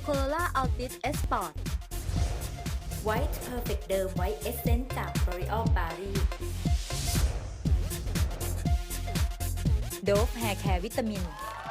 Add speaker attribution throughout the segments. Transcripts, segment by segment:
Speaker 1: Corolla Altis S Sport
Speaker 2: White Perfect เดิม White Essence จาก L'Oreal Paris Dove Hair Care วิตามิน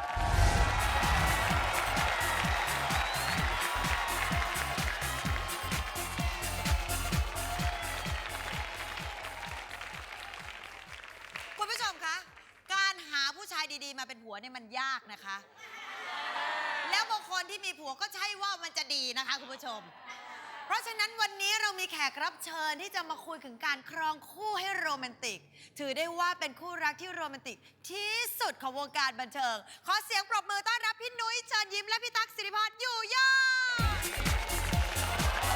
Speaker 3: คุณผู้ชมคะการหาผู้ชายดีๆมาเป็นผัวเนี่ยมันยากนะคะแล้วบางคนที่มีผัวก็ใช่ว่ามันจะดีนะคะคุณผู้ชมเพราะฉะนั้นวันนี้เรามีแขกรับเชิญที่จะมาคุยถึงการครองคู่ให้โรแมนติกถือได้ว่าเป็นคู่รักที่โรแมนติกที่สุดของวงการบันเทิงขอเสียงปรบมือต้อนรับพี่นุ้ยเชิญยิ้มและพี่ตั๊กสิริพรอยู่ยอด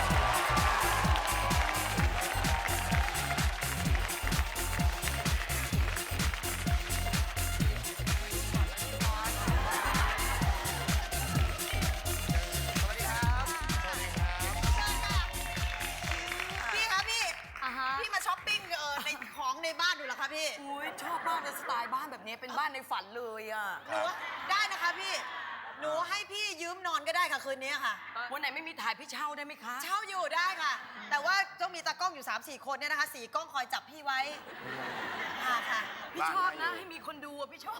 Speaker 3: พี่มาช้อปปิ้งในของในบ้านดูเหรอคะพี่
Speaker 4: อุ้ยชอบมากเลยสไตล์บ้านแบบนี้เป็นบ้านในฝันเลยอ่ะ
Speaker 3: หนูได้นะคะพี่หนูให้พี่ยืมนอนก็ได้ค่ะคืนนี้ค่ะ
Speaker 4: วันไหนไม่มีถ่ายพี่เช่าได้ไหมคะ
Speaker 3: เช่าอยู่ได้ค่ะ แต่ว่าต้องมีตากล้องอยู่ 3-4 คนเนี่ยนะคะ4 กล้องคอยจับพี่ไว้ค่ะ
Speaker 4: พี่ชอบนะให้มีคนดูอ่ะพี่ชอบ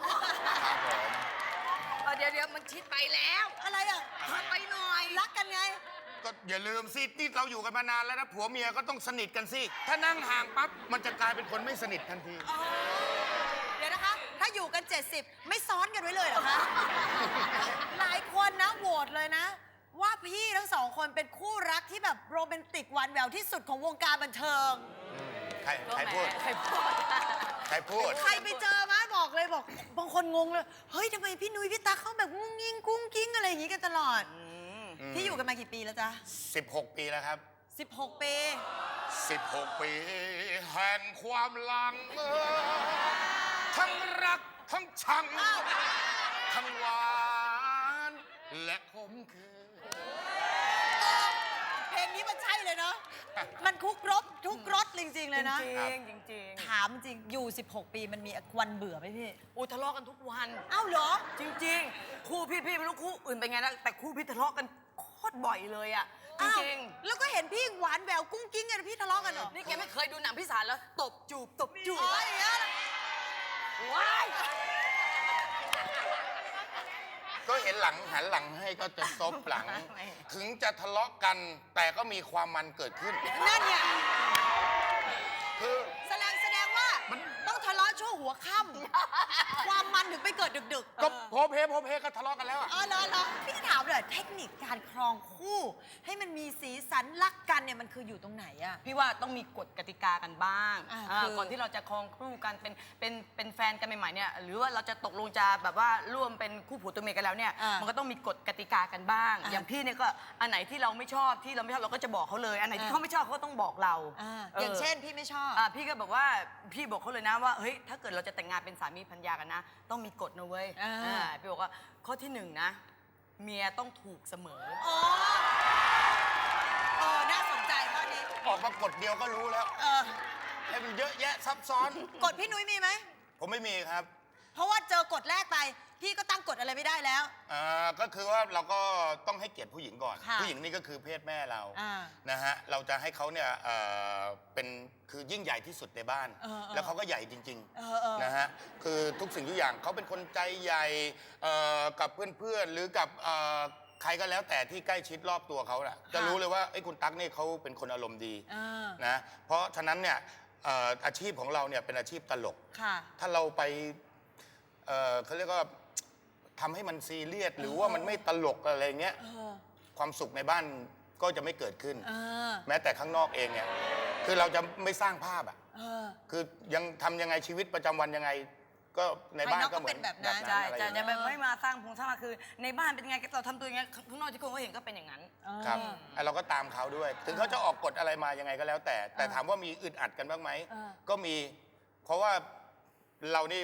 Speaker 4: เดี๋ยวมันชิดไปแล้ว
Speaker 3: อะไรอ่ะ
Speaker 4: ถอยไปหน่อย
Speaker 3: รักกันไง
Speaker 5: ก็อย่าลืมสินี่เราอยู่กันมานานแล้วนะผัวเมียก็ต้องสนิทกันสิถ้านั่งห่างปั๊บมันจะกลายเป็นคนไม่สนิททันที
Speaker 3: เดี๋ยวนะคะถ้าอยู่กัน70ไม่ซ้อนกันไว้เลยเหรอคะหลายคนนะโหวตเลยนะว่าพี่ทั้งสองคนเป็นคู่รักที่แบบโรแมนติกหวานแหววที่สุดของวงการบันเทิง
Speaker 5: ใครพูดใคร
Speaker 3: ไปเจอมาบอกเลยบอกบางคนงงเลยเฮ้ยทำไมพี่นุ้ยพี่ตั๊กเขาแบบงุ้งงิ้งกุ้งกิ้งอะไรอย่างงี้กันตลอดพี่อยู่กันมากี่ปีแล้วจ๊ะ
Speaker 5: 16 ปีแล้วครับ
Speaker 3: 16 ปี
Speaker 5: 16 ปีแห่งความหลังทั้งรักทั้งชังทั้งหวานและขมขื่น
Speaker 3: เพลงนี้มันใช่เลยเนาะมันคุกรบทุกรสจริงๆเลยนะ
Speaker 4: จริง
Speaker 3: ถามจริงอยู่16 ปีมันมีวันเบื่อไหมพี่
Speaker 4: ทะเลาะกันทุกวัน
Speaker 3: เอ้าเหรอ
Speaker 4: จริงๆคู่พี่ไม่รู้คู่อื่นเป็นไงนะแต่คู่พี่ทะเลาะกันโคตรบ่อยเลยอ่ะจริง
Speaker 3: ๆแล้วก็เห็นพี่หวานแหววกุ้งกิ้งกันพี่ทะเลาะกันเหรอ
Speaker 4: นี่แกไม่เคยดูหนังพี่สารแล้วตบจูบ
Speaker 3: อ๋ออย่างเงี้ย
Speaker 4: ว้าย
Speaker 5: ก็เห็นหันหลังให้ก็จะซบหลังถึงจะทะเลาะกันแต่ก็มีความมันเกิดขึ้น
Speaker 3: นั่นเนี่ย
Speaker 5: คือ
Speaker 3: แสดงว่าต้องทะเลาะช่วงหัวค่ำความมันถึงไปเกิดดึก
Speaker 5: ๆก็โพเพก็ทะเลาะกันแล้วอ่ะ
Speaker 3: เหรอพี่ถามเลยเทคนิคการครองคู่ให้มันมีสีสันรักกันเนี่ยมันคืออยู่ตรงไหนอ่ะ
Speaker 4: พี่ว่าต้องมีกฎกติกากันบ้างก่อนที่เราจะครองคู่กันเป็นแฟนกันใหม่ๆเนี่ยหรือว่าเราจะตกลงจะแบบว่าร่วมเป็นคู่ผัวตัวเมียกันแล้วเนี่ยมันก็ต้องมีกฎกติกากันบ้างอย่างพี่เนี่ยก็อันไหนที่เราไม่ชอบเราก็จะบอกเขาเลยอันไหนที่เขาไม่ชอบเขาก็ต้องบอกเรา
Speaker 3: อย่างเช่นพี่ไม่ชอบ
Speaker 4: พี่ก็แบบว่าพี่บอกเขาเลยนะว่าเฮ้ยถ้าเกิดเราจะแต่งงานเป็นสามีภรรยากันนะต้องมีกฎนะเว้ยพี่บอกว่าข้อที่1นะเมียต้องถูกเสมอ
Speaker 3: น่าสนใจข้อนี้
Speaker 5: ออกมากฎเดียวก็รู้แล้วให้มันเยอะแยะซับซ้อน
Speaker 3: กฎพี่นุ้ยมีไหม
Speaker 5: ผมไม่มีครับ
Speaker 3: เพราะว่าเจอกฎแรกไปพี่ก็ตั้งกฎอะไรไม่ได้แล้ว
Speaker 5: ก็คือว่าเราก็ต้องให้เกียรติผู้หญิงก่อนผู้หญิงนี่ก็คือเพศแม่เรานะฮะเราจะให้เขาเนี่ยเป็นคือยิ่งใหญ่ที่สุดในบ้านแล้วเขาก็ใหญ่จริงๆนะฮะคือทุกสิ่งทุกอย่างเขาเป็นคนใจใหญ่กับเพื่อนๆหรือกับใครก็แล้วแต่ที่ใกล้ชิดรอบตัวเขาแหละจะรู้เลยว่าไอ้คุณตั๊กนี่เขาเป็นคนอารมณ์ดีนะเพราะฉะนั้นเนี่ยอาชีพของเราเนี่ยเป็นอาชีพตลกถ้าเราไปเขาเรียกว่าทำให้มันซีเรียสหรือว่ามันไม่ตลกอะไรเงี้ยความสุขในบ้านก็จะไม่เกิดขึ้นแม้แต่ข้างนอกเองเนี่ยคือเราจะไม่สร้างภาพคือยังทำยังไงชีวิตประจำวันยังไงก็ในบ้านก็เหมือนแบบนั้น
Speaker 4: ใช่จะแบบไม่มาสร้างพงสร้างคือในบ้านเป็นไงเราทำตัวยังไงข้างนอกที่คนเขาเห็นก็เป็นอย่างนั้น
Speaker 5: ครับเราก็ตามเขาด้วยถึงเขาจะออกกฎอะไรมายังไงก็แล้วแต่ถามว่ามีอึดอัดกันบ้างไหมก็มีเพราะว่าเรานี่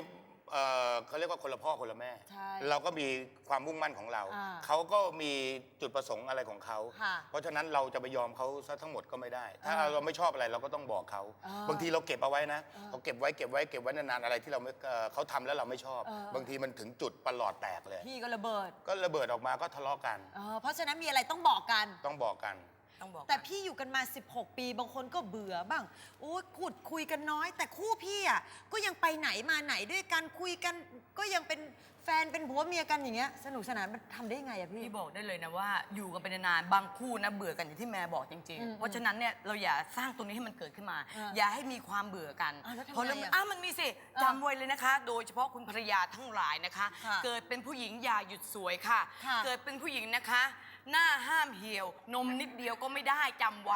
Speaker 5: เขาเรียกว่าคนละพ่อคนละแม่
Speaker 3: ใช่
Speaker 5: เราก็มีความมุ่งมั่นของเรา
Speaker 3: อ่า
Speaker 5: เขาก็มีจุดประสงค์อะไรของเขา
Speaker 3: ค่ะ
Speaker 5: เพราะฉะนั้นเราจะไปยอมเขาซะทั้งหมดก็ไม่ได้ ถ้าเราไม่ชอบอะไรเราก็ต้องบอกเขา บางทีเราเก็บเอาไว้นะเราเก็บไว้นานๆอะไรที่เราไม่เขาทำแล้วเราไม่ชอบ บางทีมันถึงจุดประหลอดแตกเลย
Speaker 3: พี่ก็ระเบิด
Speaker 5: ก็ระเบิดออกมาก็ทะเลาะกัน
Speaker 3: เพราะฉะนั้นมีอะไรต้องบอกกัน
Speaker 5: ต้องบอกกัน
Speaker 4: ต้องบอก
Speaker 3: แต่พี่อยู่กันมา 16 ปีบางคนก็เบื่อบ้างโอ้ขุดคุยกันน้อย แต่คู่พี่อ่ะก็ยังไปไหนมาไหนด้วยกันคุยกันก็ยังเป็นแฟนเป็นผัวเมียกันอย่างเงี้ยสนุกสนานมันทำได้ยังไงอะพี่
Speaker 4: พี่บอกได้เลยนะว่าอยู่กันเป็นนานๆบางคู่นะเบื่อกันอย่างที่แม่บอกจริงๆ เพราะฉะนั้นเนี่ยเราอย่าสร้างตรงนี้ให้มันเกิดขึ้นมา อย่าให้มีความเบื่อกัน
Speaker 3: แล้วทำไงอะ
Speaker 4: พอเริ่มมันมีสิจำไว้เลยนะคะ โดยเฉพาะคุณภรรยาทั้งหลายนะคะ
Speaker 3: ค่ะ
Speaker 4: เกิดเป็นผู้หญิงอย่าหยุดสวยค่ะ
Speaker 3: ค่ะ
Speaker 4: เกิดเป็นผู้หญิงนะคะ หน้าห้ามเหี่ยว นมนิดเดียวก็ไม่ได้จำไว้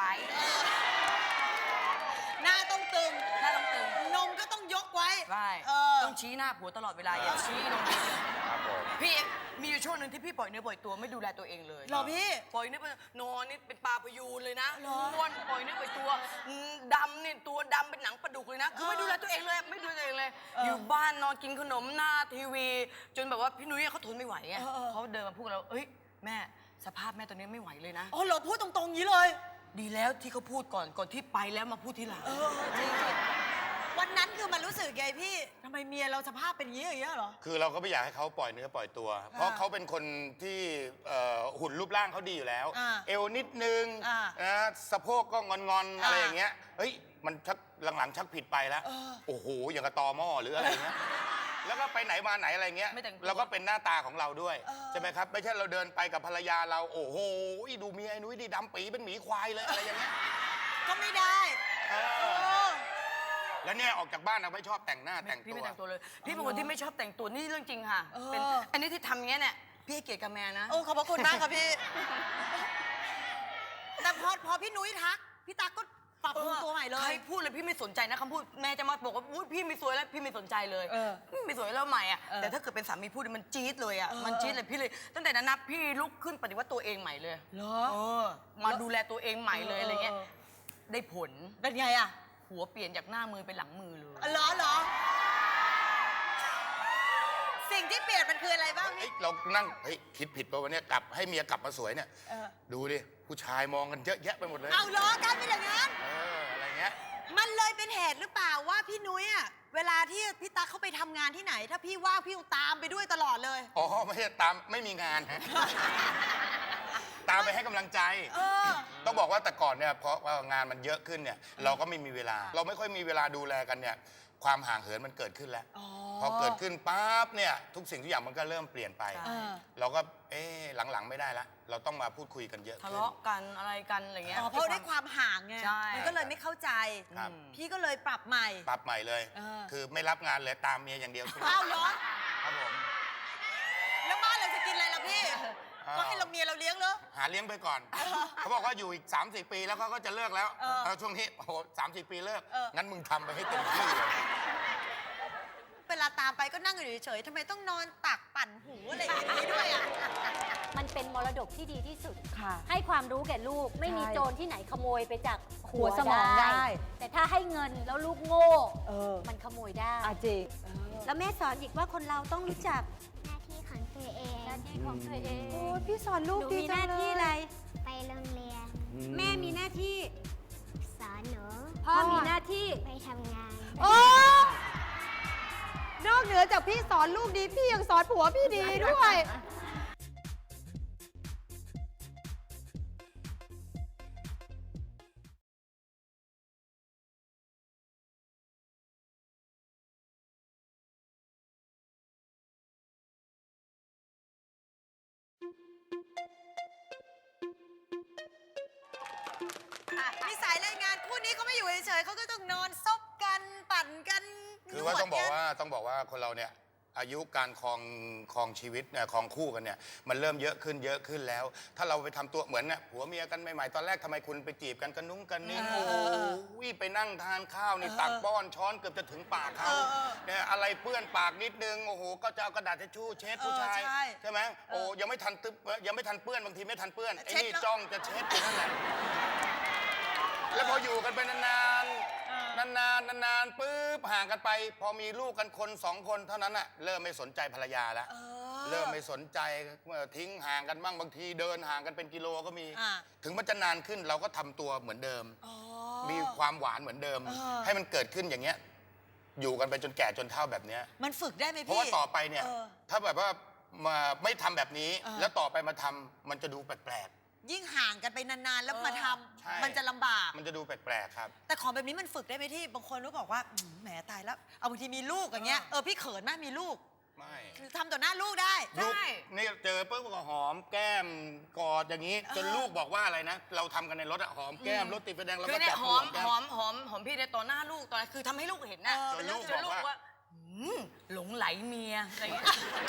Speaker 3: หน้าต้องตึง
Speaker 4: หน้าต้องตึง
Speaker 3: นมก็ต้องยกไว้
Speaker 4: ใช่
Speaker 3: ต้
Speaker 4: ต้องชี้หน้าผัวตลอดเวลาอย่าชี้นม
Speaker 5: ครับผม
Speaker 4: พี่มีอยู่ช่วงหนึ่งที่พี่ปล่อยเนื้อปล่อยตัวไม่ดูแลตัวเองเลย
Speaker 3: เหรอพี่
Speaker 4: ปล่อยเนื้อปล่อยนอนนี่เป็นปลาพยูนเลยนะ
Speaker 3: เหรอ
Speaker 4: อ้วนปล่อยเนื้อปล่อยตัวดำนี่ตัวดำเป็นหนังปลาดุกเลยนะคือไม่ดูแลตัวเองเลยไม่ดูแลตัวเองเลย อยู่บ้านนอนกินขนมหน้าทีวี จนแบบว่าพี่นุ้ยเขาทนไม่ไหวไงเขาเดินมาพูดกับเราเอ้ยแม่สภาพแม่ตอนนี้ไม่ไหวเลยนะ
Speaker 3: อ๋อเหรอพูดตรงๆอย่างนี้เลย
Speaker 4: ดีแล้วที่เขาพูดก่อนที่ไปแล้วมาพูดทีหลัง
Speaker 3: จริงๆวันนั้นคือมันรู้สึกไงพี่ทำไมเมียเราสภาพเป็นอย่างนี้อย่างเงี้ยเหรอ
Speaker 5: คือเราก็ไม่อยากให้เขาปล่อยเนื้อปล่อยตัว เพราะเขาเป็นคนที่หุ่นรูปร่างเขาดีอยู่แล้ว เอวนิดนึงนะสะโพกก็งอนๆอะไรอย่างเงี้ยเฮ้ยมันชักหลังๆชักผิดไปแล้วโอ้โหอย่างกับตอหม้อหรืออะไรเงี้ยแล้วก็ไปไหนมาไหนอะไรเงี้ย
Speaker 4: ไม่แต่งตัว
Speaker 5: เราก็เป็นหน้าตาของเราด้วยใช่ไหมครับไม่ใช่เราเดินไปกับภรรยาเราโอ้โหดูเมียไอ้นุ้ยดิดำปีเป็นหมีควายเลยอะไรอย่างเงี้ย
Speaker 3: ก็ไม่ได้
Speaker 5: แล้วเนี่ยออกจากบ้านเราไม่ชอบแต่งหน้าแต่ง
Speaker 4: พี่
Speaker 5: ตั
Speaker 4: ไม่
Speaker 5: ว
Speaker 4: แต่งตัวเลยพี่เป็นคนที่ไม่ชอบแต่งตัวนี่เรื่องจริงค่ะเป็นอันนี้ที่ทำอย่างเงี้ยเนี่ยพี่ให้เกียรติกับแม่นะ
Speaker 3: โอ้ขอบพระคุณมากครับพี่ แต่พอพี่นุ้ยทัก พี่ตั๊กก็ปรับปรุงตัวใหม่เล
Speaker 4: ใคร
Speaker 3: ย
Speaker 4: พูดเลยพี่ไม่สนใจนะคำพูดแม่จะมาบอกว่าอุ๊ยพี่ไม่สวยแล้วพี่ไม่สนใจเลย
Speaker 3: เออ
Speaker 4: พี่ไม่สวยแล้วใหม่อ่ะแต่ถ้าเกิดเป็นสามีพูดมันจี๊ดเลยอ่ะมันจี๊ดเลยพี่เลยตั้งแต่นั้นนะพี่ลุกขึ้นปฏิวัติตัวเองใหม่เลย
Speaker 3: เหรอ
Speaker 4: มาดูแลตัวเองใหม่เลยอะไรเงี้ยได้ผล
Speaker 3: เป็นไงอะ
Speaker 4: หัวเปลี่ยนจากหน้ามือเป็นหลังมือเลย
Speaker 3: เหรอ สิ่งที่เปลี่ยนมันคืออะไรบ้าง
Speaker 5: เฮ้
Speaker 3: พี่
Speaker 5: ยเรานั่งเฮ้ยคิดผิดป่ะวันนี้กลับให้เมียกลับมาสวยเนี่ยดูดิผู้ชายมองกันเยอะแยะไปหมดเลย
Speaker 3: เอาเหรอการเป็นอย่างนั้น
Speaker 5: อะไรเงี้ย
Speaker 3: มันเลยเป็นเหตุหรือเปล่าว่าพี่นุ้ยอะเวลาที่พี่ตั๊กเขาไปทำงานที่ไหน ถ้าพี่ว่างพี่ต้องตามไปด้วยตลอดเลย
Speaker 5: อ๋อไม่ใช่ตามไม่มีงานฮะ ตามไปให้กำลังใจ ต้องบอกว่าแต่ก่อนเนี่ยเพราะว่างานมันเยอะขึ้นเนี่ยเราก็ไม่มีเวลา เราไม่ค่อยมีเวลาดูแลกันเนี่ยความห่างเหินมันเกิดขึ้นแล้วพอเกิดขึ้นปั๊บเนี่ยทุกสิ่งทุกอย่างมันก็เริ่มเปลี่ยนไป เราก็หลังๆไม่ได้ละเราต้องมาพูดคุยกันเยอะ
Speaker 4: ทะ
Speaker 5: ขึ้น
Speaker 4: เลาะกันอะไรกันอะไรเงี้ย
Speaker 3: เพราะด้วยความห่างไง
Speaker 4: ใช่
Speaker 3: มันก็เลยไม่เข้าใจ
Speaker 5: ครับ
Speaker 3: พี่ก็เลยปรับใหม่
Speaker 5: ปรับใหม่เลย คือไม่รับงานเลยตามเมียอย่างเดียวช่วง
Speaker 3: อ้าวเหรอ
Speaker 5: ครับผม
Speaker 3: แล้วบ้านเราจะกินอะไรล่ะพี่ ก็ให้เราเมียเราเลี้ยงเหรอ
Speaker 5: หาเลี้ยงไปก่อน เขาบอกว่าอยู่อีก 3-4 ปีแล้วเขาก็จะเลิกแล้วช่วงนี้โอ้โห3-4 ปีเลิก งั้นมึงทำไปให้เต็มที่เลย
Speaker 3: เวลาตามไปก็นั่งอยู่เฉยๆทำไมต้องนอนตักปั่นหูอะไรอย่างนี้ด้วยอ่ะ
Speaker 1: มันเป็นมรดกที่ดีที่สุด
Speaker 6: ค่ะ
Speaker 1: ให้ความรู้แก่ลูก ไม่มี
Speaker 6: ใช่
Speaker 1: โจรที่ไหนขโมยไปจาก
Speaker 6: หัวสมองได้
Speaker 1: แต่ถ้าให้เงินแล้วลูกโง่
Speaker 6: มัน
Speaker 1: ขโมยได้
Speaker 6: จริง
Speaker 1: แล้วแม่สอนอีกว่าคนเราต้องรู้จัก
Speaker 7: หน้าที่ของตัวเอง
Speaker 1: หน้าที่ของตัวเอง
Speaker 6: โอ้ยพี่สอนลูก
Speaker 1: หนู
Speaker 6: ดี
Speaker 1: มีห
Speaker 6: จั
Speaker 1: น้าง
Speaker 6: เล
Speaker 1: ที่
Speaker 6: ย
Speaker 1: อะไร
Speaker 7: ไปโรงเรียน
Speaker 1: แม่มีหน้าที่
Speaker 7: สอนหนู
Speaker 1: พ่อมีหน้าที่
Speaker 7: ไปทำงาน
Speaker 6: โอ้นอกเหนือจากพี่สอนลูกดี พี่ยังสอนผัวพี่ดีด้วย
Speaker 3: มีสายรายงานคู่นี้เขาไม่อยู่เฉยๆเขาก็ต้องนอนซบกันปั่นกัน
Speaker 5: คือว่าต้อง
Speaker 3: น
Speaker 5: บ
Speaker 3: ว
Speaker 5: อก
Speaker 3: ด
Speaker 5: ว่าคนเราเนี่ยอายุการครองชีวิตเนี่ยครองคู่กันเนี่ยมันเริ่มเยอะขึ้นแล้ว ถ้าเราไปทำตัวเหมือนเนี่ยผัวเมียกันใหม่ๆตอนแรกทำไมคุณไปจีบกันกันนุ้งกันนี่โอ้โหไปนั่งทานข้าวนี่ตักป้อนช้อนเกือบจะถึงปากเขาเนี่ยอะไรเปื้อนปากนิดนึงโอ้โหก็จะเอากระดาษทิชชู่เช็ดผู้ชายใช่ไหมโอ้ยังไม่ทันเปื้อนบางทีไม่ทันเปื้อนไอ้นี่จ้องจะเช็ดอยู่นั่นแหละแล้วพออยู่กันไปนานๆนานๆปุ๊บห่างกันไป พอมีลูกกันคนสองคนเท่านั้นอะเริ่มไม่สนใจภรรยาแล้วเริ่มไม่สนใจทิ้งห่างกันบ้างบางทีเดินห่างกันเป็นกิโลก็มี ถึงมันจะนานขึ้นเราก็ทำตัวเหมือนเดิมมีความหวานเหมือนเดิม ให้มันเกิดขึ้นอย่างเงี้ยอยู่กันไปจนแก่จนเฒ่าแบบเนี้ย
Speaker 3: มันฝึกได้ไหมพี่
Speaker 5: เพราะว่าต่อไปเนี่ยถ้าแบบว่ามาไม่ทำแบบนี้แล้วต่อไปมาทำมันจะดูแปลก
Speaker 3: ยิ่งห่างกันไปนานๆแล้วมาท
Speaker 5: ใช่
Speaker 3: ำมันจะลำบาก
Speaker 5: ๆมันจะดูแปลกๆครับ
Speaker 3: แต่ของแบบนี้มันฝึกได้ไหมที่บางคนรู้บอกว่าแหมตายแล้วเอาบางทีมีลูกอย่างเงี้ยพี่เขินมากมีลูก
Speaker 5: ไม่
Speaker 3: ทำต่อหน้าลูกได้
Speaker 5: ลูกนี่เจอปุ๊บก็หอมแก้มกอดอย่างนี้จนลูกบอกว่าอะไรนะ เราทำกันในรถอะหอมแก้มรถติดไฟแดงเรา
Speaker 4: คือ
Speaker 5: ก็
Speaker 4: เนี่ย
Speaker 5: จับ
Speaker 4: หอม
Speaker 5: แก้
Speaker 4: หอมพี่ในต่อหน้าลูกตอนนั้นคือทำให้ลูกเห็นนะ
Speaker 5: จนลูก
Speaker 4: จนลูก
Speaker 5: บอกว่า
Speaker 4: ว่าหลงไหลเมียอะไรอย่างเงี้ย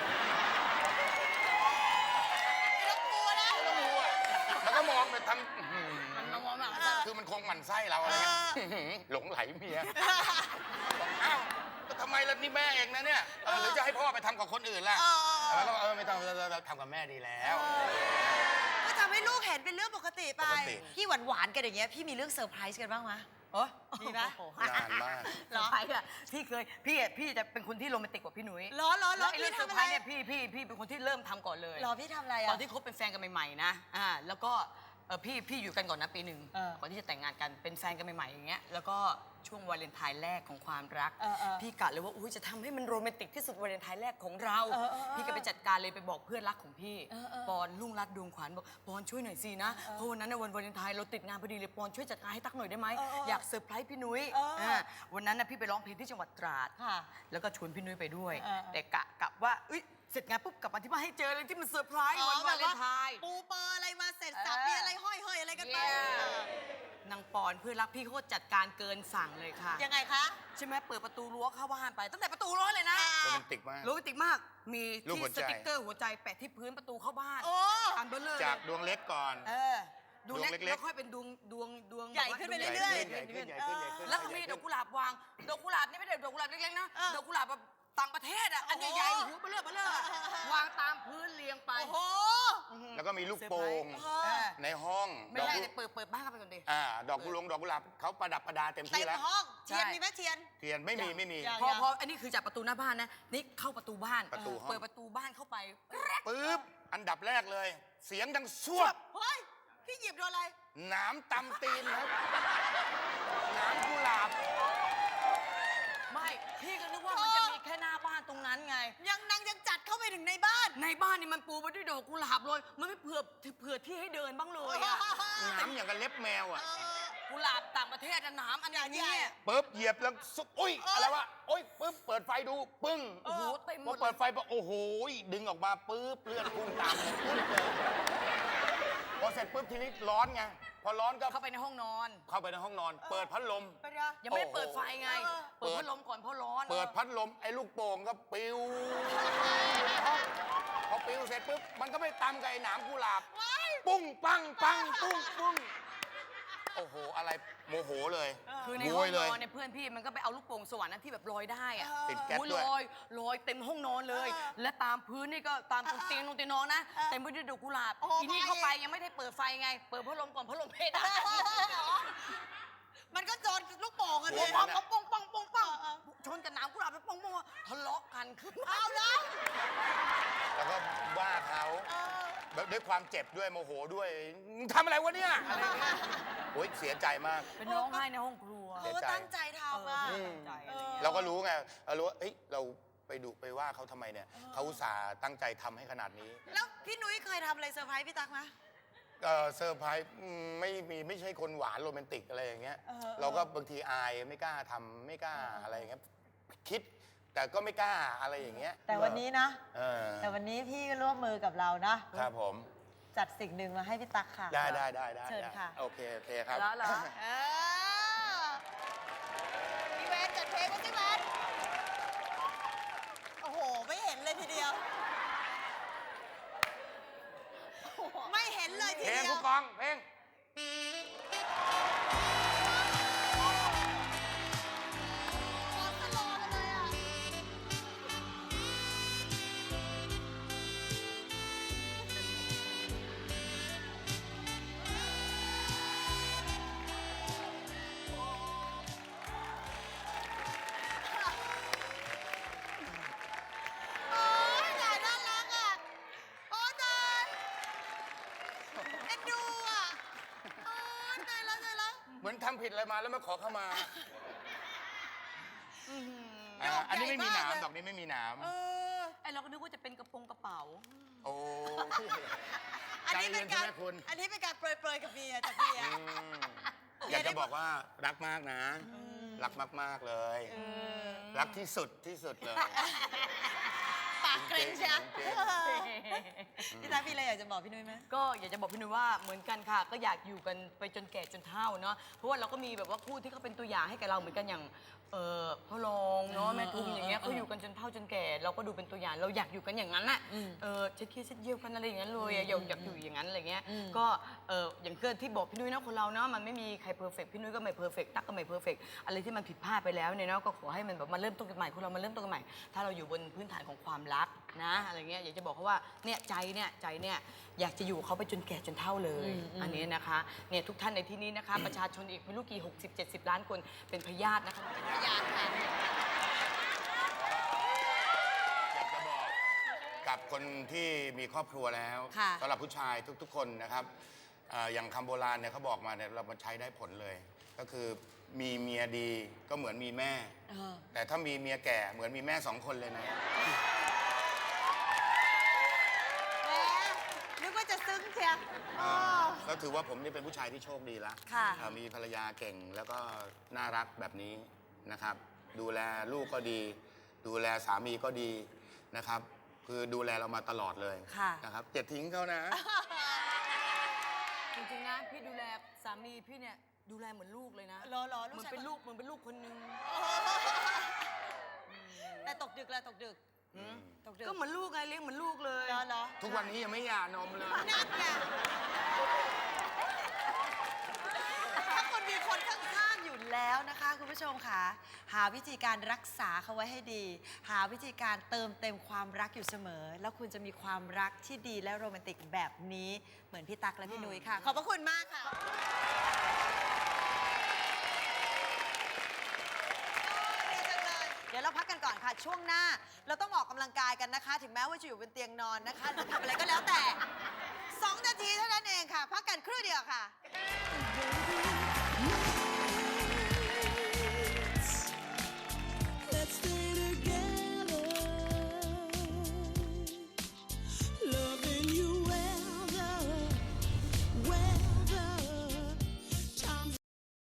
Speaker 3: ไม่ต้องกลัวนะ
Speaker 5: ไม่ต้องรู้อะแล้วก็มองไปทำ
Speaker 4: มันมองแบบ
Speaker 5: คือมันคงหมั่นไส้เราอะไรเงี้ยหลงไหลเมียบอกอ้าวก็ทำไมล่ะนี่แม่เองนะเนี่ยหรือจะให้พ่อไปทำกับคนอื่นล่ะแล้วก็ไม่ต้องเราทำกับแม่ดีแล้ว
Speaker 3: ก็ทำให้ลูกเห็นเป็นเรื่องปกติไป
Speaker 5: ปกติ
Speaker 3: พี่หวานๆกันอย่างเงี้ยพี่มีเรื่องเซอร์ไพรส์กันบ้างไหมมีไหม
Speaker 5: นานมาก
Speaker 4: เหรอใช่อะพี่จะเป็นคนที่โรแมนติกกว่าพี่หนุ่ย
Speaker 3: ล้อ
Speaker 4: แล้วไอ้เรื่
Speaker 3: พี่
Speaker 4: องเซอร์
Speaker 3: ทำ
Speaker 4: ไพ
Speaker 3: อะ
Speaker 4: ร
Speaker 3: ไร
Speaker 4: ส์เนี่ยพี่เป็นคนที่เริ่มทำก่อนเลย
Speaker 3: ล้อพี่ทำอะไร
Speaker 4: ตอ
Speaker 3: อะ
Speaker 4: นที่คบเป็นแฟนกันใหม่ๆนะแล้วก็พี่อยู่กันก่อนนะปีหนึ่งก่อนที่จะแต่งงานกันเป็นแฟนกันใหม่ๆอย่างเงี้ยแล้วก็ช่วงวาเลนไทน์แรกของความรักพี่กะเลยว่าอุ้ยจะทำให้มันโรแมนติกที่สุดวาเลนไทน์แรกของเราพี่ก็ไปจัดการเลยไปบอกเพื่อนรักของพี่ปอนลุ่งรัตน์ดวงขวัญบอกปอนช่วยหน่อยสินะเพราะวันนั้นในวันวาเลนไทน์เราติดงานพอดีเลยปอนช่วยจัดการให้ตั๊กหน่อยได้ไหมอยากเซอร์ไพรส์พี่นุ้ยวันนั้นนะพี่ไปร้องเพลงที่จังหวัดตราดแล้วก็ชวนพี่นุ้ยไปด้วยแต่กะว่าเสร็จงานปุ๊บกลับมาที่บ้านให้เจอเลยที่มันเซอร์ไพรส์วันวาเลนไทน์
Speaker 3: ปูเปอร์อะไรมาเสร็จสับมีอะไรห้อยๆอะไรกันไป
Speaker 4: นางปอนเพื่อนรักพี่เขาก็จัดการเกินสั่งเลยค่ะ
Speaker 3: ยังไงคะ
Speaker 4: ใช่ไหมเปิดประตูรั้วเข้าบ้านไปตั้งแต่ประตูรั้วเลยนะ
Speaker 5: โรแมนติกมาก
Speaker 4: โรแมนติกมาก มี
Speaker 5: รูป
Speaker 4: ที่
Speaker 5: หัว
Speaker 4: ส
Speaker 5: ใจ
Speaker 4: ติกเกอร์หัวใจแปะที่พื้นประตูเข้าบ้าน
Speaker 3: โอ้
Speaker 4: อันเบลเลอร์
Speaker 5: จากดวงเล็กก่อน
Speaker 4: ดวงเล็ก
Speaker 5: ดวงเล็กๆ
Speaker 4: แล้วค่อยเป็นดวง
Speaker 3: ใหญ่ขึ้นไปเรื่อยๆ
Speaker 5: ใหญ่ขึ้นใหญ่ขึ้นใหญ่ขึ้น
Speaker 4: แล้วก็มีดอกกุหลาบวางดอกกุหลาบนี่ไม่ได้ดอกกุหลาบเล็กๆนะดอกกุหลาบแบบต่างประเทศอ่ะอันใหญ่ๆหูเบลเลอร์วางตามพื้นเรียงไป
Speaker 3: โอ้โห
Speaker 5: แล้วก็มีลูกโป่ง
Speaker 4: เออ
Speaker 5: ในห้อง
Speaker 4: ไม่ใช่เลยเปิดบ้านเข้าไปก่อนดิ
Speaker 5: ดอกกุหลาบเขาประดับประดาเต็ม
Speaker 3: เต็
Speaker 5: ที่
Speaker 3: ม
Speaker 5: แล้ว
Speaker 3: ห้อง
Speaker 4: ใช่
Speaker 3: เทียนมีไหมเทียน
Speaker 5: เทียนไม่มี
Speaker 3: ยัง
Speaker 4: พออันนี้คือจากประตูหน้าบ้านนะนี่เข้าประตูบ้าน
Speaker 5: ประตูห้อง
Speaker 4: เปิดประตูบ้านเข้าไป
Speaker 5: ปึ๊บอันดับแรกเลย เสียงดังสวบ
Speaker 3: เฮ้ย พี่หยิบโดนอะไร
Speaker 5: หน้ำตำตีนครับหน้ำกุหลาบ
Speaker 4: ไม่พี่ก็นึกว่ามันจะมีแค่หน้าบ้านตรงนั้นไง
Speaker 3: ยังจัดเข้าไปถึงในบ้าน
Speaker 4: ในบ้านนี่มันปูไปด้วยดอกกุหลาบเลยมันไม่เผื่อที่ให้เดินบ้างเลยอะ
Speaker 5: น้ำอย่างกับเล็บแมวอ่ะ
Speaker 4: กุหลาบต่างประเทศอะหน้ำอันอย่างนี้
Speaker 3: ใหญ่
Speaker 5: ปึ๊บเหยียบแล้วสุกอุ้ยอะไรวะโอ้ยปึ๊บเปิดไฟดูปึ้ง
Speaker 4: โอ้โหเต็มห
Speaker 5: พ
Speaker 4: ม
Speaker 5: อ
Speaker 4: ด
Speaker 5: เปิดไฟปุ๊บโอ้โหดึงออกมาปึ๊บเลือดพุ่งตามเลยปึ๊บเลยพอเสร็จปุ๊บทีนี้ร้อนไงพอร้อนก็
Speaker 4: เข้าไปในห้องนอน
Speaker 5: เข้าไปในห้องนอน เปิดพัดลม
Speaker 3: ไปเดี๋ยว
Speaker 4: ยังไม่ได้เปิดไฟไง
Speaker 5: เปิด
Speaker 4: เปิดพัดลมก่อนเพราะร้อน
Speaker 5: เปิดพัดลมไอ้ลูกโป่งก็ปิวพอปิวเสร็จปุ๊บมันก็ไปตำกับไอ้หนามกุหลาบปุ้งปังปังปุ้งปุ้งโอ้โหอะไรโมโหเลย
Speaker 4: คือใน
Speaker 5: โว
Speaker 4: ห้อง
Speaker 5: ยเล
Speaker 4: น
Speaker 5: ย
Speaker 4: อนเนี่ยเพื่อนพี่มันก็ไปเอาลูกโป่งสวรรค์นั้นที่แบบลอยได้อะ
Speaker 5: ติดแก๊ส
Speaker 4: โอ้
Speaker 5: ด้วย
Speaker 4: ลอยเต็มห้องนอนเลย และตามพื้นนี่ก็ตามตรงเตียงนอนนะเต็มไปด้วยดอกกุหลาบ
Speaker 3: โอ้โห
Speaker 4: ทีนี้เข้าไปยังไม่ได้เปิดไฟไง เปิดพัดลมก่อนพัดลมเพดาน
Speaker 3: มันก็โจรลูกโป่งกัน
Speaker 4: หั
Speaker 3: เล
Speaker 4: วย ปองเขาปองปองปองปองชนกับน้ำกุหลาบแล้วปองปองทะเลาะกันขึ้นมา
Speaker 3: เอาแล้ว
Speaker 5: แล้วก็ว่าเขาแบบด้วยความเจ็บด้วยโมโหด้วยมึงทำอะไรวะเนี่ยอะไรเงี้ยโอ้ยเสียใจมาก
Speaker 4: เป็นร้องไห้ในห้องครัว
Speaker 3: เขาก็ตั้งใจทำอ่ะ
Speaker 4: ใจอะไรเงี้ย
Speaker 5: เราก็รู้ไงเรารู้ว่าเอ้ยเราไปดุไปว่าเขาทำไมเนี่ยเขาอุตส่าห์ตั้งใจทำให้ขนาดนี้
Speaker 3: แล้วพี่นุ้ยเคยทำอะไรเซอร์ไพรส์พี่ตั๊กไหม
Speaker 5: เซอร์ไพรส์ไม่ใช่คนหวานโรแมนติกอะไรอย่างเงี้ยเราก็บางทีอายไม่กล้าทำไม่กล้าอะไรอย่างเงี้ยคิดแต่ก็ไม่กล้าอะไรอย่างเงี้ย
Speaker 6: แต่วันนี้นะ
Speaker 5: เออ
Speaker 6: แต่วันนี้พี่ร่วมมือกับเรานะ
Speaker 5: ครับผม
Speaker 6: จัดสิ่งหนึ่งมาให้พี่ตั๊กค่ะ
Speaker 5: ได้
Speaker 6: เชิญค่ะ
Speaker 5: โอเคครับ
Speaker 4: แล้วเหรอ
Speaker 3: พี่แวนจัดเพลงมาสิแวนโอ้โห ไม่เห็นเลยทีเดียว ไม่เห็นเลยที
Speaker 5: เพลง
Speaker 3: เดีย
Speaker 5: ผู้
Speaker 3: ว
Speaker 5: กองเพลงอนทำผิดอะไรมาแล้วมาขอเข้ามา
Speaker 3: ดอกใหญ่
Speaker 5: อันนี้ไม่มีหนาม
Speaker 3: มากเลย
Speaker 5: ดอกนี้ไม่มีหนาม
Speaker 4: ไอเราก็นึกว่าจะเป็นกระเป๋า
Speaker 5: โอ้
Speaker 3: อันนี้เป็น
Speaker 5: ใจ
Speaker 3: การ
Speaker 5: เย็นใช่ไหมคุณ
Speaker 3: อันนี้เป็นการเปรยๆกับเมียจากเมีย
Speaker 5: อยากจะบอกว่ารักมากนะ รักมากๆเลย รักที่สุดเลย
Speaker 3: ปากเกรงใช่ไหม
Speaker 5: จริง
Speaker 3: พี่ตาพี่อะไรอยากจะบอกพี่นุ้ยไหม
Speaker 4: ก็อยากจะบอกพี่นุ้ยว่าเหมือนกันค่ะ ก็อยากอยู่กันไปจนแก่จนเฒ่าเนาะเพราะว่าเราก็มีแบบว่าคู่ที่เขาเป็นตัวอย่างให้กับเราเหมือนกันอย่างพ่อรองเนาะแม่ทุมอย่างเงี้ยเขาอยู่กันจนเฒ่าจนแก่ เราก็ดูเป็นตัวอย่างเราอยากอยู่กันอย่างนั้นน่ะเช็ดขี้เช็ดเยี่ยวกันอะไรอย่างนั้นเลยอยากอยู่อย่างนั้นอะไรเงี้ยก็อย่างเกิดที่บอกพี่นุ้ยนะคนเราเนาะมันไม่มีใครเพอร์เฟกต์พี่นุ้ยก็ไม่เพอร์เฟกต์ตั๊กก็ไม่เพอร์เฟกต์อะไรที่มันผิดพลาดไปแล้วเนี่ยเนาะก็ขอให้มันแบบมาเริ่มต้นกันใหม่คนเรามาเริ่มต้นกันใหม่ถ้าเราอยู่บนพื้นฐานของความรักนะอะไรเงี้ยอยากจะบอกเขาว่าเนี่ยใจเนี่ยอยากจะอยู่เขาไปจนแก่จนเฒ่าเลยอันนี้นะคะเนี่ยทุกท่านในที่นี้นะคะ ประชาชนอีกไม่รู้กี่60-70 ล้านคนเป็นพยาธินะคะ
Speaker 3: พยานค่ะ
Speaker 5: อยากจะบอกกับคนที่มีครอบครัวแล้ว
Speaker 3: ค่ะ
Speaker 5: สำหรับผู้ชายทุกๆคนนะครับอย่างคำโบราณเนี่ยเขาบอกมาเนี่ยเรามาใช้ได้ผลเลย ก็คือมีเมียดีก็เหมือนมีแม่ แต่ถ้ามีเมียแก่เหมือนมีแม่2 คนเลยนะ
Speaker 3: แหมนึกว่าจะซึ้งเชียว
Speaker 5: ก็ถือว่าผมนี่เป็นผู้ชายที่โชคดีละ
Speaker 3: ค่ะ
Speaker 5: มีภรรยาเก่งแล้วก็น่ารักแบบนี้นะครับ ดูแลลูกก็ดี ดูแลสามีก็ดีนะครับ คือดูแลเรามาตลอดเลย
Speaker 3: ค่ะ
Speaker 5: นะครับอย่าทิ้งเขานะ
Speaker 4: จริงๆนะพี่ดูแลสามีพี่เนี่ยดูแลเหมือนลูกเลยนะ
Speaker 3: เหรอลู
Speaker 4: เห
Speaker 3: ก
Speaker 4: มือน
Speaker 3: ชาย
Speaker 4: เป็นลูกเหมือนเป็นลูกคนนึง
Speaker 3: แต่ตกดึกแล้วตกดึก ตกดึก
Speaker 4: ก็เหมือนลูกไงเลี้ยงเหมือนลูกเลย
Speaker 3: เหรอ
Speaker 5: ทุกวันนี้ยังไม่หย่านมเลย
Speaker 3: นั่นไงถ้าคนมีคนข้างๆอยู่แล้วนะคะคุณผู้ชมค่ะ หาวิธีการรักษาเขาไว้ให้ดี หาวิธีการเติมเต็มความรักอยู่เสมอ แล้วคุณจะมีความรักที่ดีและโรแมนติกแบบนี้เหมือนพี่ตั๊กและพี่นุ้ยค่ะ ขอบพระคุณมากค่ะ ดีจังเลย เดี๋ยวเราพักกันก่อนค่ะ ช่วงหน้าเราต้องออกกำลังกายกันนะคะ ถึงแม้ว่าจะอยู่บนเตียงนอนนะคะหรือทำอะไรก็แล้วแต่